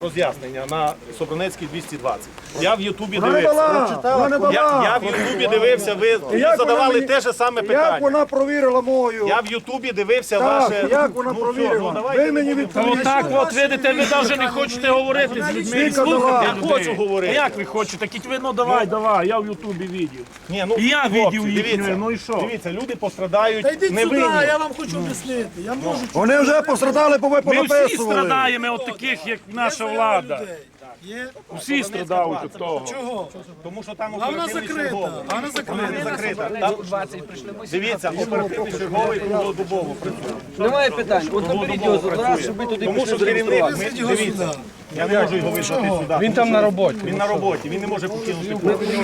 Роз'яснення на Собранецькій 220. Я в Ютубі дивився. Я в Ютубі дивився, ви задавали те ж саме питання. Як вона провірила мою? Я в Ютубі дивився Так, ваше... як вона провірила? Ви мені відповіли. Так от, видите, ви навіть не хочете говорити з людьми. і слухати Я людей. хочу говорити. Як ви хочете? Кіть ви, ну давай, я в Ютубі відео. Ні, ну, І я хлопці, відео їхнє, дивіться, ну і що? Дивіться, люди пострадають Йдіть сюди, невинні. я вам хочу об'яснити. Я можу Вони вже пострадали, бо ви Ми всі понаписували. страдаємо від таких, як наша влада. людей. Є. Всі страдають від того. Чого? Тому що там А вона оперативний закрита. черговий. А вона закрита. Не закрита. Дивіться, оперативний черговий круглодобово працює. Немає питань. От наберіть його зараз, щоб ви туди Тому пішли що керівник, зареєструвати. дивіться, я не можу його визвати сюди. Він там на роботі. Він на роботі, він не може покинути.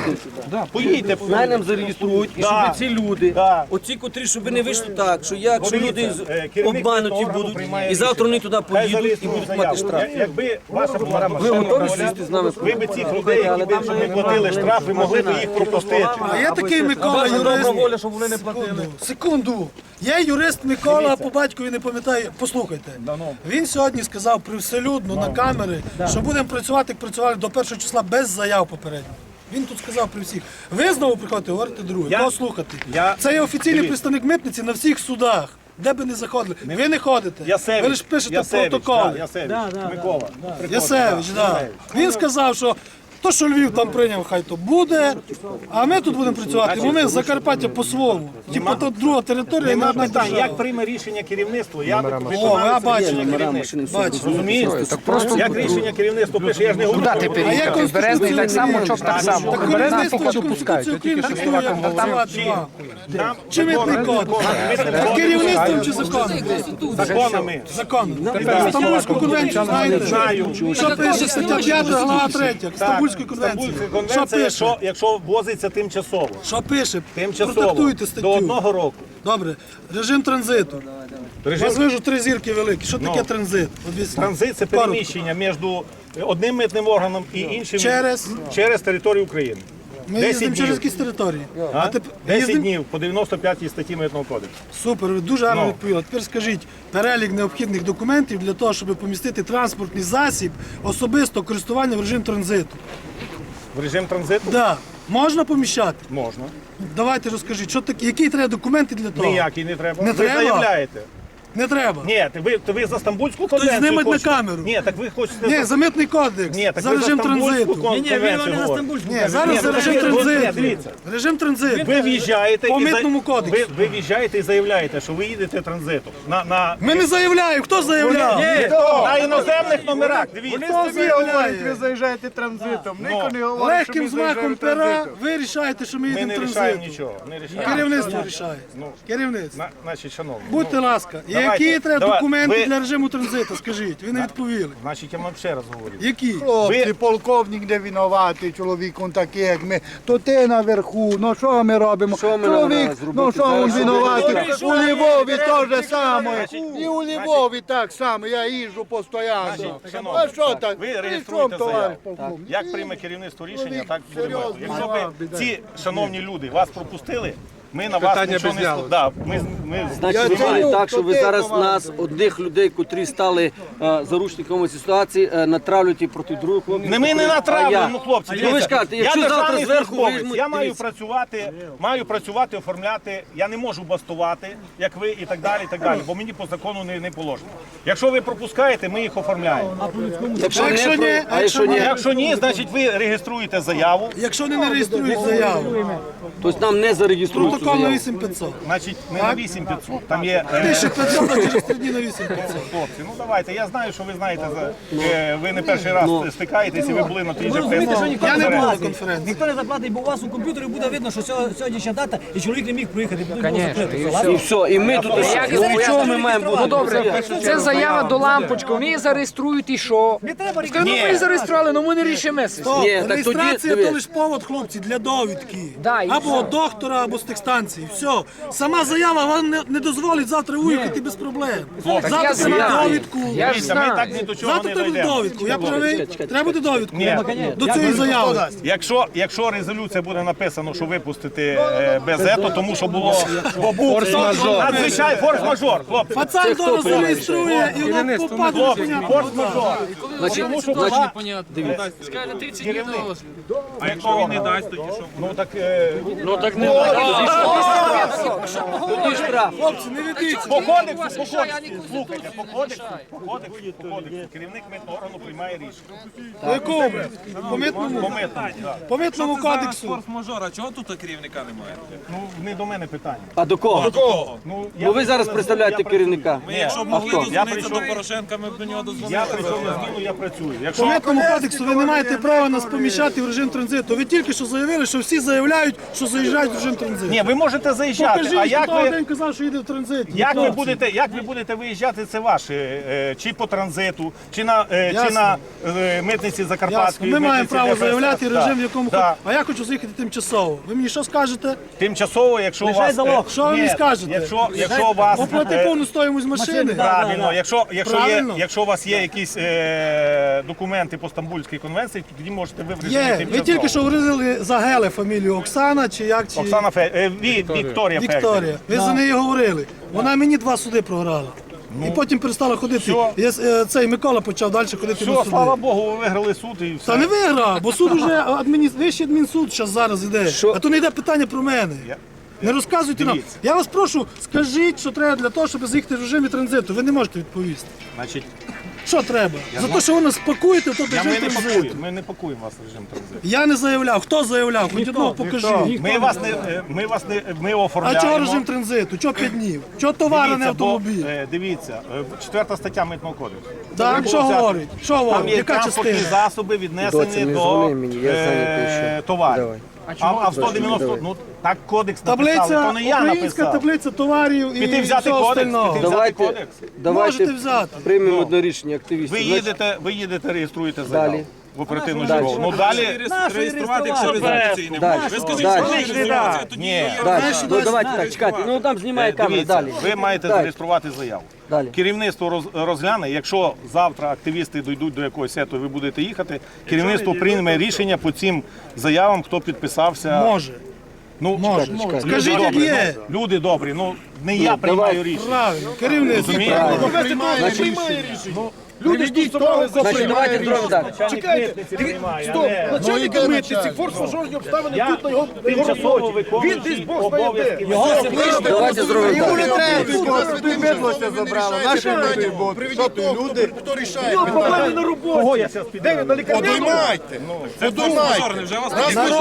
Поїдьте. Най нам зареєструють, і щоб Да. ці люди, Да. оці, котрі, щоб ви не вийшли так, що якщо Дивіться, люди керівник обмануті органу будуть, приймає і завтра вони рішення. туди Хай поїдуть і зареєструють будуть мати заяву. штраф. Якби ваша була Ви готові сісти з нами? ви б цих людей, які б щоб не платили штрафи, могли б їх пропустити. А є такий Микола, Ваша юрист. добра воля, щоб вони не платили. Секунду. Є юрист Микола, по батькові не пам'ятаю. Послухайте. Він сьогодні сказав привселюдно на камери, що будемо працювати, як працювали до 1 числа без заяв попередньо. Він тут сказав при всіх. Ви знову приходите, говорите друге. Я- Кого слухати? я- Це є офіційний Дивіться. представник митниці на всіх судах. Де би не заходили. Ви не ходите. Ясевич, Ви лише пишете Ясевич, протоколи. да, Ясевич, Микола. Ясевич, так. Він сказав, що то, що Львів там прийняв, хай то буде, а ми тут будемо працювати, бо ми з Закарпаття по-своєму. Типу, то друга територія, і Нема одна питань, держава. як прийме рішення керівництво, я я виконаю це бачу. рішення керівництва. Бачите. Розумієте? Як рішення керівництва пише, я ж не говорю. А як Березний так само, чоп так само. Так Березний керівництво поки Конституцію України диктує працювати вам. Там Чи митний кодекс? Керівництвом чи законом? законами. Законом. Стамбульську конвенцію знаєте? Знаю. Що пише стаття 5, глава 3, Стамбульської конвенції? Стамбульська Що конвенція, пише? якщо ввозиться тимчасово. Що пише? Тимчасово. Продиктуйте До статтю. 1 року. Добре. Режим транзиту. Режим Вас вижу 3 зірки великі. Що таке транзит? Об'ясніть. транзит це Коротко. переміщення між одним митним органом і іншим через територію України. Ми 10 їздимо через днів. якісь території. А? тепер 10 їздимо- днів по 95 статті Митного кодексу. Супер, ви дуже гарно Ну. відповіли. Тепер скажіть перелік необхідних документів для того, щоб помістити транспортний засіб особисто користування в режим транзиту. В режим транзиту Да. Можна поміщати? можна. Давайте розкажіть, що таке, які треба документи для того? Ніякий не треба. Не ви треба? заявляєте. Не треба. Ні, ви за Стамбульську конвенцію знімать на хочете? камеру. Ні, так ви хочете... Ні, за митний кодекс, Ні, так за ви режим Стамбульську транзиту. конвенцію говорите. Ні, зараз за режим Дивіться. транзиту. Режим транзиту. Ви в'їжджаєте По і митному кодексу. ви в'їжджаєте і заявляєте, що ви їдете транзитом. Ми не заявляємо. Хто заявляв? На іноземних номерах, дивіться. Хто заявляє? Ви заїжджаєте транзитом. Ніхто не говорить, що Легким ми змахом заїжджаємо пера транзитом. ви рішаєте, що ми Ми їдемо не рішаємо транзитом. нічого. Не рішаємо. Керівництво рішає. Керівництво. Значить, шановні. Будьте ласка, давайте, які треба давай, документи ви- для режиму транзиту, скажіть, ви не відповіли. Значить, я вам ще раз говорю. Які? Хлопці, полковник не винуватий, чоловіком такий, як ми. То ти наверху, ну що ми робимо? Що ми Чоловік, треба зробити? ну що він Зараз винуватий? зробити. У Львові теж саме. І у Львові так само, я їжджу постійно. шановні, А що так? ви При реєструєте чому, товариш заяву. полковник? Як прийме керівництво рішення, Чоловік так буде. серйозно, Якщо мала б біда. ці шановні люди вас пропустили, ми на вас нічого не да, ми Значить, Я виходить ціню, так, що ви то ти, зараз товариш. нас, одних людей, котрі стали заручниками цієї ситуації, натравлюєте проти других хлопців. Не ми не А я? натравлюємо, хлопці. Ну, ви ж Дивіться, кажете, я якщо завтра державний зверху службовець, візьмуть, я маю дивіться. працювати, оформляти, я не можу бастувати, як ви, і так далі, бо мені по закону не положено. Якщо ви пропускаєте, ми їх оформляємо. Якщо ні, А якщо ні, Якщо ні, значить ви реєструєте заяву, Якщо не реєструють заяву, тобто нам не зареєструють цю протокол на заяву. 8500. значить не на 8500, там є... 1500, а через 3 дні на 8500. Хлопці, ну давайте, я знаю, що ви знаєте, ви не перший раз стикаєтесь і ви були на тій же Я не був на конференції. Ніхто не заплатить, бо у вас у комп'ютері буде видно, що сьогоднішня дата, і чоловік не міг приїхати, бо тут було закрито. І все, і ми тут ну, чого ми маємо бути? Ну добре, це заява до лампочки, вони її зареєструють і що? Не треба Скажи, ну ми її зареєстрували, ну ми не рішимо. Ні, так тоді, Реєстрація дивись. то лише повод, хлопці, для довідки. Да, і Або або доктора, або з тих станцій. Все. Сама заява вам не дозволить завтра уїхати без проблем. Завтра я треба знаю. довідку. Я ж Дивіться, ми знаю. так ні до чого Завтра не треба дійдемо. довідку. Я правий? Треба буде довідку Ні. до цієї заяви. Якщо резолюція буде написано, що випустити без ето, тому що було форс-мажор. Надзвичайно форс-мажор, хлопці. Пацан дома зареєструє і воно попаде. Форс-мажор. Значить, Скажете, 30 днів на розгляд. А якщо він не дасть, тоді що? Ну так тоді штраф. Хлопці, не ведіться. по кодексу, слухайте, по кодексу, керівник митного органу приймає рішення. По якому? По митному? По митному, так. По митному кодексу. Форс-мажора, чого тут керівника немає? Ну, не до мене питання. А до кого? Ну, Ну ви зараз представляєте керівника. Ми якщо б могли хто? дозвонитися до Порошенка, ми б до нього Я дозвонилися. прийшов на зміну, я працюю. По Якщо митному кодексу ви не маєте права нас поміщати в режим транзиту. Ви тільки що заявили, що всі заявляють, що заїжджають в режим транзиту. ні, ви можете заїжджати, а Покажіть, як хто того ви день казав, що їде в транзит. як Хлопці. ви будете виїжджати, це ваше, чи по транзиту, чи на Ясно. митниці Ясно. Закарпатської. Ми маємо митниці право ДФС. заявляти Да. режим, в якому Да. А я хочу заїхати тимчасово. Ви мені що скажете? Тимчасово, якщо у вас... Що ви мені Ні, скажете? Якщо у вас... Оплати повну стоїмость машини. Правильно, Правильно. якщо у вас є якісь документи по Стамбульській конвенції, то тоді можете вибрати Є. Ви тільки що говорили за Геле фамілію Оксана чи як? Чи... Оксана Вікторія Фельдер. Вікторія. Ви за неї говорили. Вона мені 2 суди програла. І потім перестала ходити. Цей Микола почав далі ходити на Все, суди. слава Богу, ви виграли суд і все. Та не виграв, бо суд уже вищий адмінсуд зараз іде. А то не йде питання про мене. Не розказуйте нам. Дивіться. Я вас прошу, скажіть, що треба для того, щоб заїхати в режимі транзиту. Ви не можете відповісти. Значить, Що треба? За те, що ви нас пакуєте, то ми режим не транзиту. пакуємо, ми не пакуємо вас в режим транзиту. Я не заявляв. Хто заявляв? Хоч одного покажіть. Ми А оформляємо. чого режим транзиту? Чого 5 днів? Чого товари, не автомобіль? Дивіться, 4 стаття Митного кодексу. Так, що говорить? Що Там говорить? є Яка транспортні частина? засоби віднесені до товарів. А в 190, ну так кодекс написали, Таблиця, то не я українська написав. таблиця товарів і Піти взяти всього кодекс, остального. піти взяти кодекс. Давайте Можете взяти. приймемо одне рішення активістів. Ви їдете, реєструєте заяву Далі. в оперативну Далі. школу. Ну далі, Реєструвати, якщо резолюції не Далі. буде. Ви скажіть, Далі. що ви реєстрація, тоді Ні. є. Далі. Ну давайте так, чекайте. Ну там знімає камеру. дивіться, Далі. ви маєте Далі. зареєструвати заяву. Далі. Керівництво розгляне, якщо завтра активісти дійдуть до якогось сету, ви будете їхати, керівництво прийме рішення по цим заявам, хто підписався. Може. Ну, Може. люди Скажіть, як добрі, є. ну, люди добрі, ну не я приймаю рішення. Правильно. Керівництво. Розумієте? Люди ж того, Значить, давайте зробимо так. начальник митниці, форс-мажорні обставини тут на його тимчасово виконуючий обов'язки. Давайте зробимо так. не треба, ти медлося забрала. Наші люди будуть. Що ти, люди? Хто рішає? Кого я зараз піду? Подоймайте. Форс-мажор, не вже вас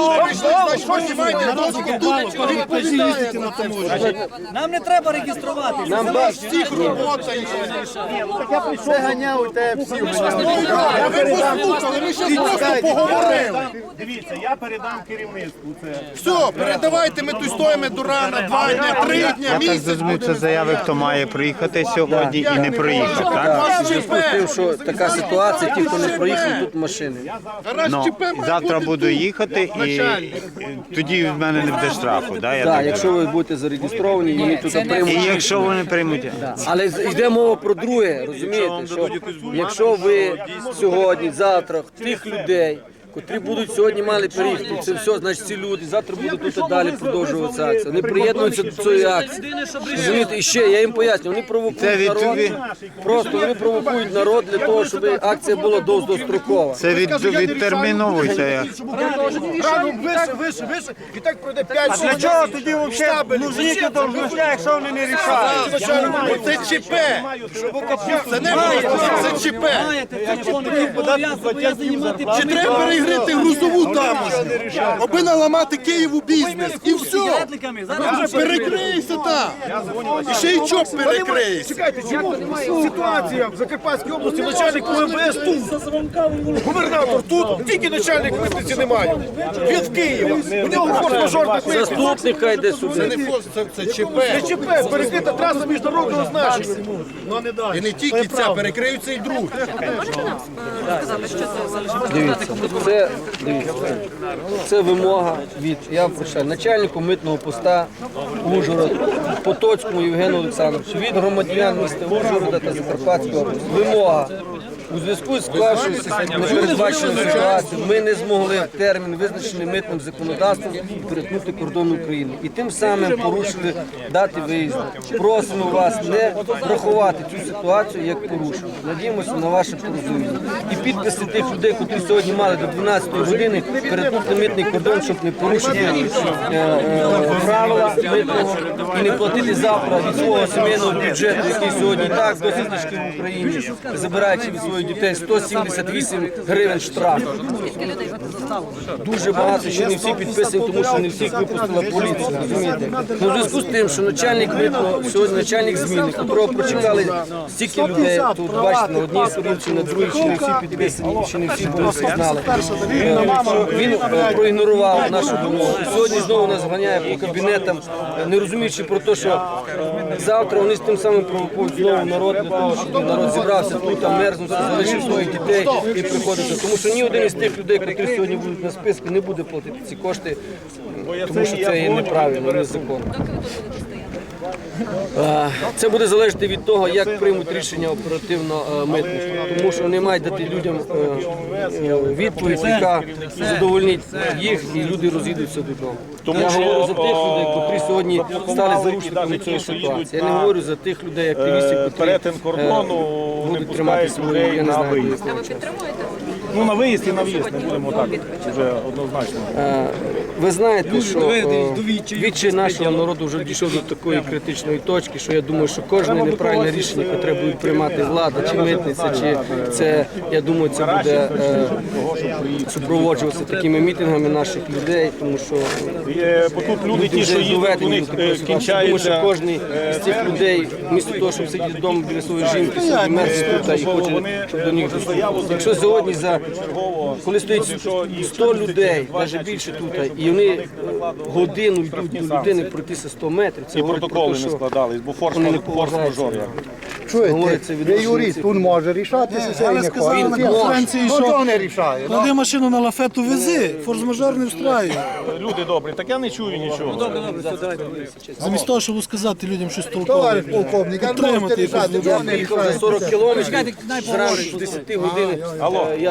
Народ закупало, коли пойти їздити на таможні. Нам не треба реєструвати. Нам Всіх робота є. Це ганяв у тебе всіх. Ви послухали, ми ще просто поговорили. Дивіться, я передам керівництву це. Все, передавайте, ми тут стоїмо до рана, 2 дня, 3 дня, Я так місяць. зрозумів, це заяви, хто має приїхати сьогодні і не проїхав, так? Так, в зв'язку з тим, що така ситуація, ті, хто не проїхав, тут машини. Ну, завтра буду їхати і тоді в мене не буде штрафу, да? Я Так, так якщо ви будете зареєстровані і ми тут І приймемо. якщо вони приймуть, Але йде мова про друге, розумієте, що якщо ви сьогодні, завтра тих людей, котрі будуть сьогодні мали переїхати, це все, значить ці люди завтра будуть тут далі продовжуватися акція. Вони приєднуються до цієї акції. Розумієте, і ще я їм поясню, вони Це провокують народ, просто вони провокують народ для того, щоб акція була довгострокова. це відтерміновується. як. І так пройде 5 років. Для чого тоді взагалі нужніки должностя, якщо вони не рішають? Це ЧП. Це не просто, це ЧП. Чи треба перегрити грузову тамошню, аби наламати Києву бізнес, і все. Перекрийся там. І ще й чоп перекриється. Чекайте, чому ситуація в Закарпатській області, начальник УМВС тут, губернатор тут, тільки начальник митниці немає. Він в Києві, у нього форс-мажорна митниця. Заступник хай йде Це сюди. не фост, це ЧП. Це ЧП, перекрита траса міжнародного значення. Ну не дай. І не тільки ця, перекриються і другі. Дивіться, це Це, дивіться, це вимога від, я прощаю, начальнику митного поста Ужгород, Потоцькому Євгену Олександровичу, від громадян міста Ужгорода та Закарпатської області. Вимога. У зв'язку з склавшоюся непередбаченою ситуацією ми не змогли в термін, визначений митним законодавством, перетнути кордон України. І тим самим порушили дати виїзду. Просимо вас не врахувати цю ситуацію як порушення. Надіємося на ваше порозуміння. І підписи тих людей, які сьогодні мали до 12-ї години перетнути митний кордон, щоб не порушити правила митного і не платити завтра від свого сімейного бюджету, який сьогодні і так досить тяжкий в Україні, забираючи від своїх дітей 178 гривень штрафу. Дуже багато, ще не всі підписані, тому що не всіх випустила поліція, розумієте? Ну, в зв'язку з тим, що начальник митного, сьогодні начальник зміни, якого прочекали стільки людей, тут бачите, на одній сторінці, на другій, ще не всі підписані, ще не всі були всі знали. Він проігнорував нашу вимогу. Сьогодні знову нас ганяє по кабінетам, не розуміючи про те, що завтра вони з тим самим провокують знову народ, для того, щоб народ зібрався тут, а мерзнувся, залишив своїх дітей і приходиться. Тому що ні один із тих людей, які сьогодні будуть на списку, не буде платити ці кошти, тому що це є неправильно, незаконно. Це буде залежати від того, як приймуть рішення оперативно митники, тому що вони мають дати людям відповідь, яка задовольнить їх, і люди розійдуться додому. Я говорю за тих людей, які сьогодні стали заручниками цієї ситуації. Я не говорю за тих людей, активістів, які будуть тримати свою, я не знаю, Ну, на виїзд і на в'їзд, не будемо так вже однозначно. Ви знаєте, що відчай нашого народу вже дійшов до такої критичної точки, що я думаю, що кожне неправильне рішення, яке буде приймати влада, чи митниця, чи це, я думаю, це буде супроводжуватися такими мітингами наших людей, тому що Бо тут люди ті, що їздять, у них тому що кінчаються. кожен з цих людей, вмісто того, щоб сидіти вдома біля своєї жінки, собі мерзне тут і хоче, щоб до них доступити. Якщо сьогодні коли стоїть 100 людей, навіть більше тут, і вони годину йдуть до людини пройтися 100 метрів, це І говорить про протоколи те, не що складались, бо вони не форс-мажор. говориться від Юрист, він може рішатися, це Але не сказали на конференції, Ну, що то не рішає. клади машину на лафету, вези, форс-мажор не встраює. Люди добрі, так я не чую нічого. Замість того, щоб сказати людям щось Товариш толкове, полковник, а можете підтримати якось рішати, людей. то не їхав за рішає. 40 кілометрів, зранку з 10 години. Я